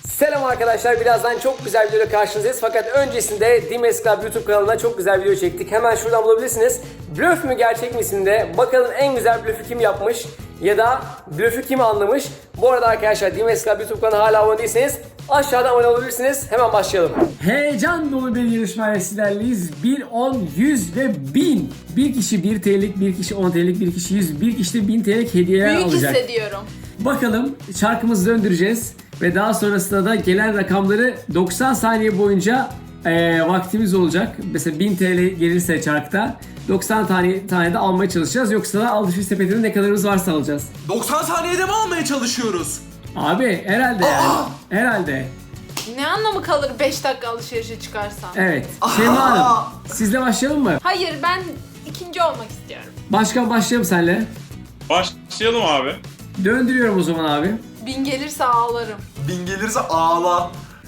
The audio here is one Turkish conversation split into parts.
Selam arkadaşlar, birazdan çok güzel bir video karşınızdayız. Fakat öncesinde Dimes Club YouTube kanalına çok güzel bir video çektik. Hemen şuradan bulabilirsiniz. Blöf mü gerçek mi isimde? Bakalım en güzel blöfü kim yapmış ya da blöfü kim anlamış? Bu arada arkadaşlar Dimes Club YouTube kanalına hala abone değilseniz aşağıda abone olabilirsiniz. Hemen başlayalım. Heyecan dolu bir yarışmayla sizlerleyiz. 1, 10, 100 ve 1000. Bir kişi 1 TL'lik, bir kişi 10 TL'lik, bir kişi 100, bir kişi de 1000 TL'lik hediyeler Büyük alacak. hissediyorum. Bakalım çarkımızı döndüreceğiz ve daha sonrasında da gelen rakamları 90 saniye boyunca vaktimiz olacak. Mesela 1000 TL gelirse çarkta 90 tane de almaya çalışacağız. Yoksa da alışveriş sepetinde ne kadarımız varsa alacağız. 90 saniyede mi almaya çalışıyoruz? Abi herhalde yani. Herhalde. Ne anlamı kalır 5 dakika alışverişe çıkarsan? Evet. Şeyma Hanım, sizle başlayalım mı? Hayır, ben ikinci olmak istiyorum. Başkan başlayalım senle. Başlayalım abi. Döndürüyorum o zaman abi. 1000 gelirse ağlarım. 1000 gelirse ağla.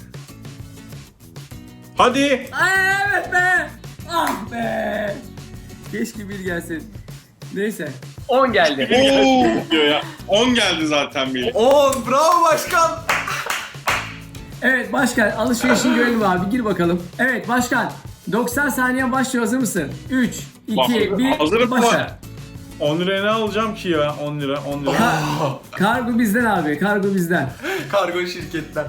Hadi. Evet be. Ah be. Keşke bir gelsin. Neyse. 10 geldi. Oo diyor ya. 10 geldi zaten bir. 10 bravo başkan. Evet başkan, alışverişini görelim abi, gir bakalım. Evet başkan, 90 saniye başlıyor, hazır mısın? 3, 2, 1, Hazırım başla. 10 liraya ne alacağım ki ya? 10 lira, 10 lira. Kargo bizden abi, kargo bizden. Kargo şirketten.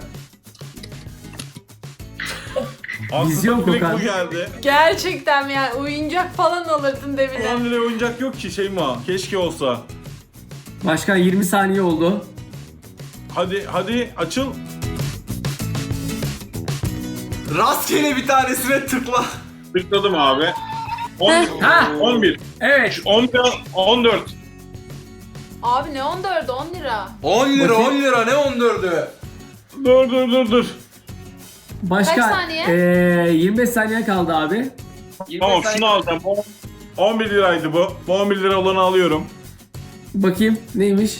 Vizyon Aslında direkt kokan. bu geldi. Gerçekten mi yani, oyuncak falan alırdın 10 devine. liraya oyuncak yok ki Şeyma. Keşke olsa. Başkan 20 saniye oldu. Hadi açıl. Rastgele bir tanesine tıkla. Tıkladım abi. 10, Ha. 11, Evet. 11, 14. Abi ne 14, 10 lira. 10 lira Bakayım. 10 lira ne 14'ü? Dur. Başkan, Kaç saniye? 25 saniye kaldı abi. Tamam şunu alacağım. 11 liraydı bu. Bu 11 lira olanı alıyorum. Bakayım neymiş?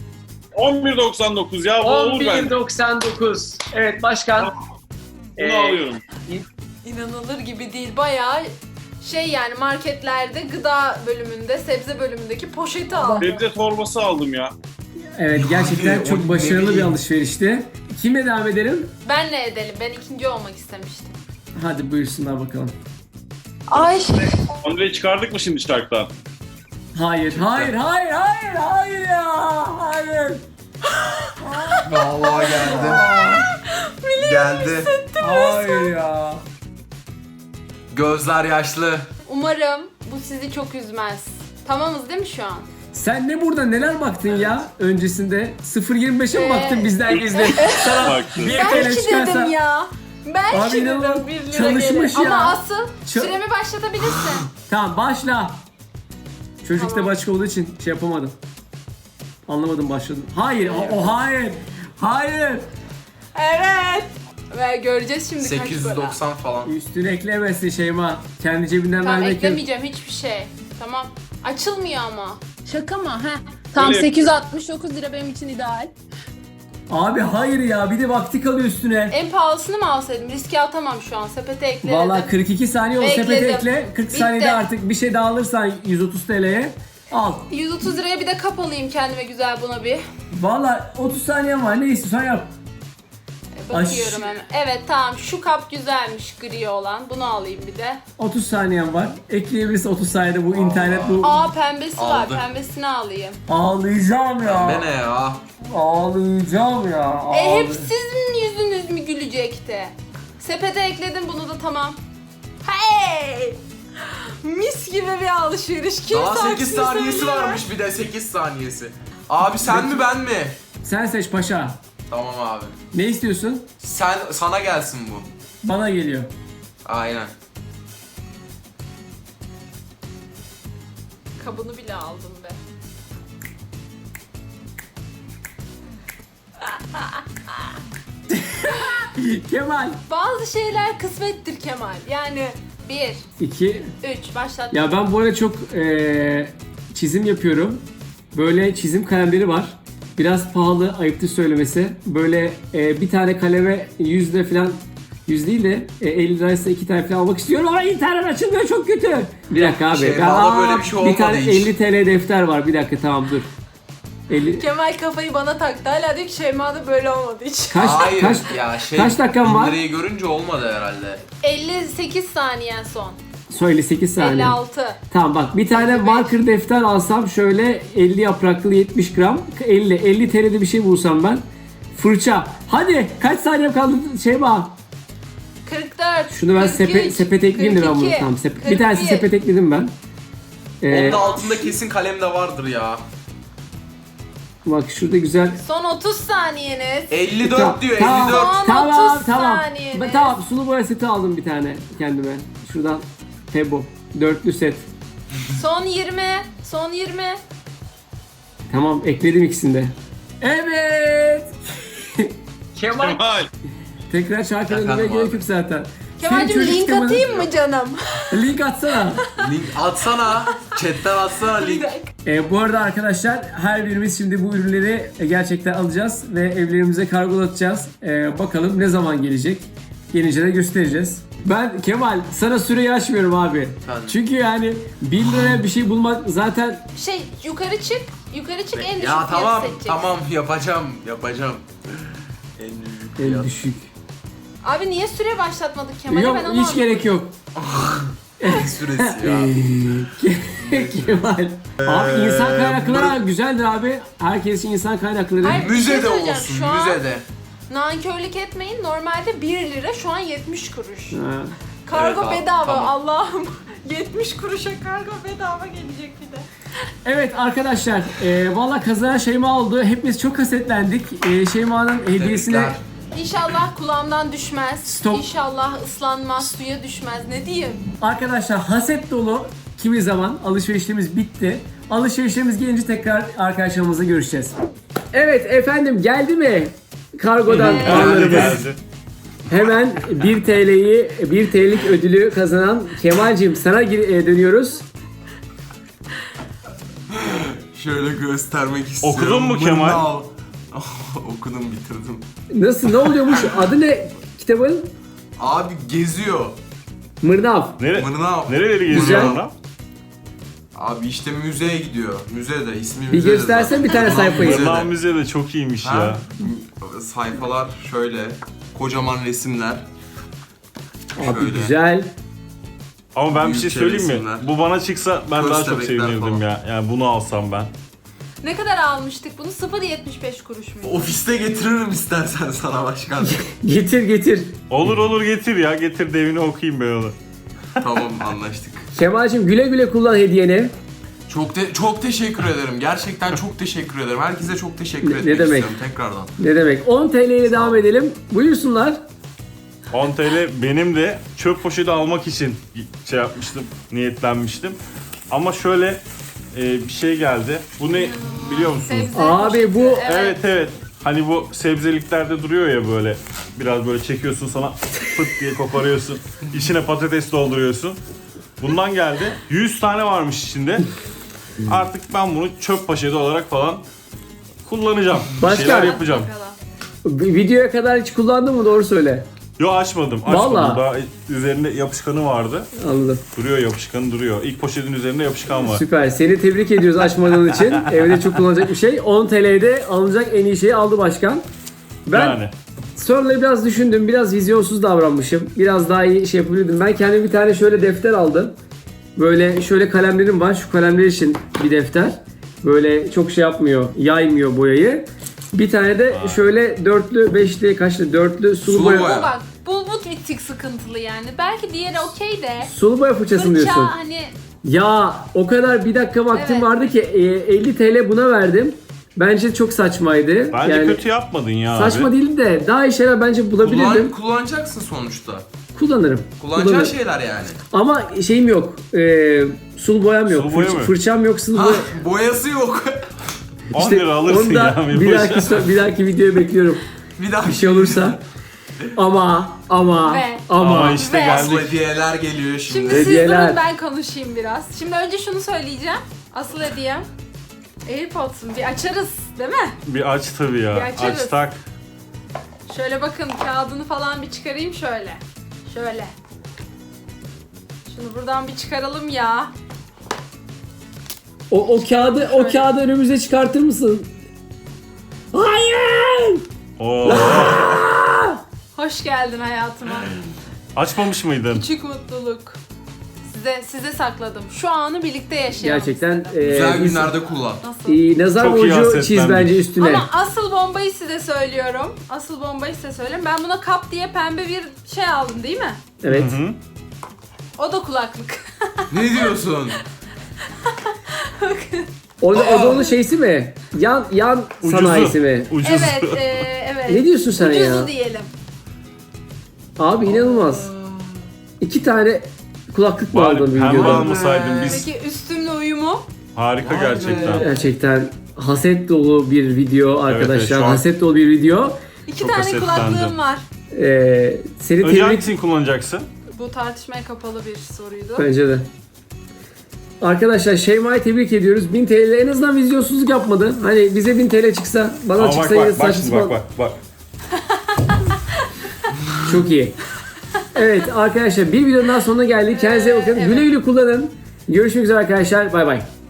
11.99 ya bu olur bence. 11.99. Evet başkan. Bunu alıyorum. İnanılır gibi değil, bayağı şey yani, marketlerde gıda bölümünde, sebze bölümündeki poşeti aldım. Sebze torbası aldım ya. Evet, gerçekten Abi, çok o başarılı ne bir bileyim. alışverişti. Kimle devam edelim? Benle edelim, ben ikinci olmak istemiştim. Hadi buyursunlar bakalım. Ay. 10 lirayı çıkardık mı şimdi çarktan? Hayır ya, hayır. Vallahi geldi. Hayır ya. Gözler yaşlı. Umarım bu sizi çok üzmez. Tamamız değil mi şu an? Sen ne burada neler baktın ya öncesinde? 0.25'e mi baktın bizden gizli? Sana Baktım. bir Belki TL çıkarsa... dedim ya. Belki Abi inanılmaz dedim 1 lira çalışmış gelir. ya. Ama asıl Ça- süremi başlatabilirsin. Tamam başla. Çocuk da Tamam. başka olduğu için şey yapamadım. Anlamadım başladım. Hayır, hayır. Hayır. Evet. Ve göreceğiz şimdi kaç para. 890 falan. Üstüne eklemesin Şeyma. Kendi cebinden Tamam, vermek yok. eklemeyeceğim hiçbir şey. Tamam. Açılmıyor ama. Şaka mı? Heh. Tam Öyle 869 lira benim için ideal. Abi hayır ya, bir de vakti kalıyor üstüne. En pahalısını mı alsaydım? Riske atamam şu an. Sepete ekledim. Vallahi 42 saniye oldu, sepete Bekledim. ekle. 40 Bitti. saniyede artık bir şey daha alırsan 130 TL'ye al. 130 liraya bir de kap alayım kendime güzel buna bir. Vallahi 30 saniyen var, ne istiyorsan yap. Bakıyorum hemen. Evet tamam, şu kap güzelmiş, gri olan. Bunu alayım bir de. 30 saniyen var. Ekleyebilirsin 30 saniyede, bu internet bu. Aa, pembesi var. Aldı. Pembesini alayım. Ağlayacağım ya. Ne ya? Ağlayacağım ya. Hep sizin yüzünüz mü gülecekti? Sepete ekledim bunu da, tamam. Hey! Mis gibi bir alışveriş. Kimse Daha 8 aksini saniyesi söylüyor. varmış bir de 8 saniyesi. Abi sen mi ben mi? Sen seç paşa. Tamam abi. Ne istiyorsun? Sana gelsin bu. Bana geliyor. Aynen. Kabını bile aldım be. Kemal. Bazı şeyler kısmettir Kemal. Yani 1, 2. 3 başlat. Ya ben bu arada çok çizim yapıyorum. Böyle çizim kalemleri var. Biraz pahalı, ayıptır söylemesi. Böyle bir tane kaleme 100 lira falan, 100 değil de 50 liraysa 2 tane falan almak istiyorum ama internet açılmıyor, çok kötü. Bir dakika abi. Şeyma'da böyle bir şey Bir tane olmadı hiç. 50 TL defter var. Bir dakika, tamam dur. 50. Kemal kafayı bana taktı. Hala diyor ki Şeyma'da böyle olmadı hiç. Hayır kaç, ya şey. kaç dakikam var? 1000 lirayı görünce olmadı herhalde. 58 saniyen son. Son 58 saniye. 56. Tamam bak bir tane marker defter alsam şöyle 50 yapraklı 70 gram 50 TL'de bir şey bulsam ben. Fırça. Hadi kaç saniyem kaldı Şeyma? 44. Şunu ben 43, sepet ekleyeyim de ben bunu 42, tamam. Bir tanesi 41. sepet ekledim ben. Onun da altında kesin kalem de vardır ya. Bak şurada güzel. Son 30 saniyeniz. 54 diyor Tamam. 54. Son Tamam 30 tamam. saniyeniz. Tamam sulu boya seti aldım bir tane kendime. Şuradan Tebo. Dörtlü set. Son 20. Son 20. Tamam ekledim ikisini de. Evet. Kemal. Kemal. Tekrar şarkı Efendim dinlemeye abi. gerek yok zaten. Kemal'cim Senin çocuk link temanın- atayım mı canım? Link atsana. Link atsana. Chatten atsana link. Bu arada arkadaşlar her birimiz şimdi bu ürünleri gerçekten alacağız ve evlerimize kargolatacağız. Bakalım ne zaman gelecek. Gelince de göstereceğiz. Ben Kemal sana süreyi açmıyorum abi. Efendim? Çünkü yani 1 liraya bir şey bulmak zaten Yukarı çık. Yukarı çık en düşük Ya fiyatı tamam seçeceksin. tamam yapacağım. En düşük en fiyat. düşük. Abi niye süre başlatmadık Kemal'e Yok ben onu hiç anlamadım. gerek yok. Süresi ya. Kemal. Abi insan kaynakları güzeldir abi. Herkesin insan kaynakları. Hayır. Bir şey Müzede söyleyeceğim, olsun şu an- müzede. Nankörlük etmeyin. Normalde 1 lira şu an 70 kuruş. Ha. Kargo Evet abi, bedava tamam. Allah'ım. 70 kuruşa kargo bedava gelecek bir de. Evet arkadaşlar, valla kazanan Şeyma oldu. Hepimiz çok hasetlendik. Şeyma'nın hediyesine Tebrikler. İnşallah kulağımdan düşmez. Stop. İnşallah ıslanmaz, suya düşmez. Ne diyeyim? arkadaşlar haset dolu kimi zaman alışverişlerimiz bitti. Alışverişlerimiz gelince tekrar arkadaşlarımızla görüşeceğiz. Evet efendim geldi mi? Kargodan Evet. paralarımız. Geldi. Hemen 1 TL'lik ödülü kazanan Kemal'cim sana dönüyoruz. Şöyle göstermek istiyorum. Okudun mu Kemal? Mırnav. Okudum bitirdim. Nasıl ne oluyormuş? Adı ne kitabın? Abi geziyor. Mırnav. Mırnav. Nereleri geziyor Güzel. ona? Abi işte müzeye gidiyor. Müzede ismi Bir müzede göstersen zaten. bir tane Mırnav sayfayı. müzede. Mırnav Müze de çok iyiymiş Ha? ya. Sayfalar şöyle. Kocaman resimler. Abi Şöyle. güzel. Ama ben bir şey Büyükçe söyleyeyim mi? resimler. Bu bana çıksa ben daha çok Köstebekler sevinirdim falan. ya. Yani bunu alsam ben. Ne kadar almıştık bunu? 0.75 kuruş mu? Ofiste getiririm istersen sana başkan. Getir. Olur getir ya. Getir devini okuyayım ben onu. Tamam anlaştık. Kemal'cim güle güle kullan hediyeni. Çok teşekkür ederim. Gerçekten çok teşekkür ederim. Herkese çok teşekkür Ne etmek demek? istiyorum tekrardan. Ne demek? 10 TL ile devam edelim. Buyursunlar. 10 TL benim de çöp poşeti almak için şey yapmıştım, niyetlenmiştim. Ama şöyle bir şey geldi. Bu ne biliyor musunuz? Sebze Abi poşeti, bu- Evet. Hani bu sebzeliklerde duruyor ya böyle. Biraz böyle çekiyorsun sana fıt diye koparıyorsun. İçine patates dolduruyorsun. Bundan geldi. 100 tane varmış içinde. Artık ben bunu çöp poşeti olarak falan kullanacağım. Bir Başka? şeyler yapacağım. Bakalım. Videoya kadar hiç kullandın mı? Doğru söyle. Yo açmadım. Vallahi. Daha üzerinde yapışkanı vardı. Anladım. Duruyor yapışkanı duruyor. İlk poşetin üzerinde yapışkan var. Süper. Seni tebrik ediyoruz açmadığın için. Evde çok kullanacak bir şey. 10 TL'de alınacak en iyi şeyi aldı başkan. Ben Yani. sonra biraz düşündüm. Biraz vizyonsuz davranmışım. Biraz daha iyi şey yapabilirdim. Ben kendime bir tane şöyle defter aldım. Böyle şöyle kalemlerim var. Şu kalemler için bir defter. Böyle çok şey yapmıyor. Yaymıyor boyayı. Bir tane de şöyle dörtlü, beşli, kaçlı, dörtlü sulu Sulu boya. boya. Bu bak bu bir tık sıkıntılı yani. Belki diğeri okey de. Sulu boya fırçası mı Fırça diyorsun? hani Ya o kadar bir dakika vaktim Evet. vardı ki 50 TL buna verdim. Bence çok saçmaydı. Bence yani kötü yapmadın ya saçma abi. değildi de daha iyi şeyler bence bulabilirdim. Kullanacaksın sonuçta. Kullanırım. Kullanacağın Kullanırım. şeyler yani. Ama şeyim yok. Sulu boyam yok. Sulu boya mı? Fırçam yok. Sulu Ha, boya. boyası yok. 10 lira alırsın onu da ya. bir dahaki videoya bekliyorum. Bir daha Bir şey olursa. Ama Ve- Ama işte Ve- Asıl geldik. hediyeler geliyor şimdi şimdi. siz Hediyeler. durun ben konuşayım biraz. Şimdi önce şunu söyleyeceğim. Asıl hediyem AirPods'un bir açarız değil mi? Bir aç tabii ya. Bir açarız. Aç tak. Şöyle bakın kağıdını falan bir çıkarayım şöyle. Şöyle. Şunu buradan bir çıkaralım ya. o kağıdı önümüze çıkartır mısın? Oo. Hoş geldin hayatıma. Açmamış mıydın? Küçük mutluluk. Size sakladım. Şu anı birlikte yaşayalım Gerçekten istedim. Güzel günlerde kullan. Nasıl? nazar Çok iyi boncuğu hasretlendik. çiz bence üstüne. Ama asıl bombayı size söylüyorum. Asıl bombayı size söyleyeyim. Ben buna kap diye pembe bir şey aldım değil mi? Evet. Hı hı. O da kulaklık. Ne diyorsun? O da onun şeysi mi? Yan sanayisi mi? Ucuzu. Evet, evet. Ne diyorsun sen Ucuzu ya? diyelim. Abi inanılmaz. 2 tane kulaklık mı Bari aldın pembe videoda? almasaydın biz. Peki üstümle uyumu? Harika Vay be. gerçekten. Gerçekten haset dolu bir video arkadaşlar. şu an- Haset dolu bir video. 2 Çok tane hasetlendim. kulaklığım var. Seni Önce tebrik hangisini kullanacaksın? Bu tartışmaya kapalı bir soruydu. bence de. Arkadaşlar Şeyma'yı tebrik ediyoruz. 1000 TL en azından vizyonsuzluk yapmadı. Hani bize 1000 TL çıksa, bana Aa, bak çıksa bak yine bak saçma şimdi sapan. bak. Çok iyi. Evet arkadaşlar bir videonun daha sonuna geldik. Kendinize iyi bakın. Evet. Güle güle kullanın. Görüşmek üzere arkadaşlar. Bay bay.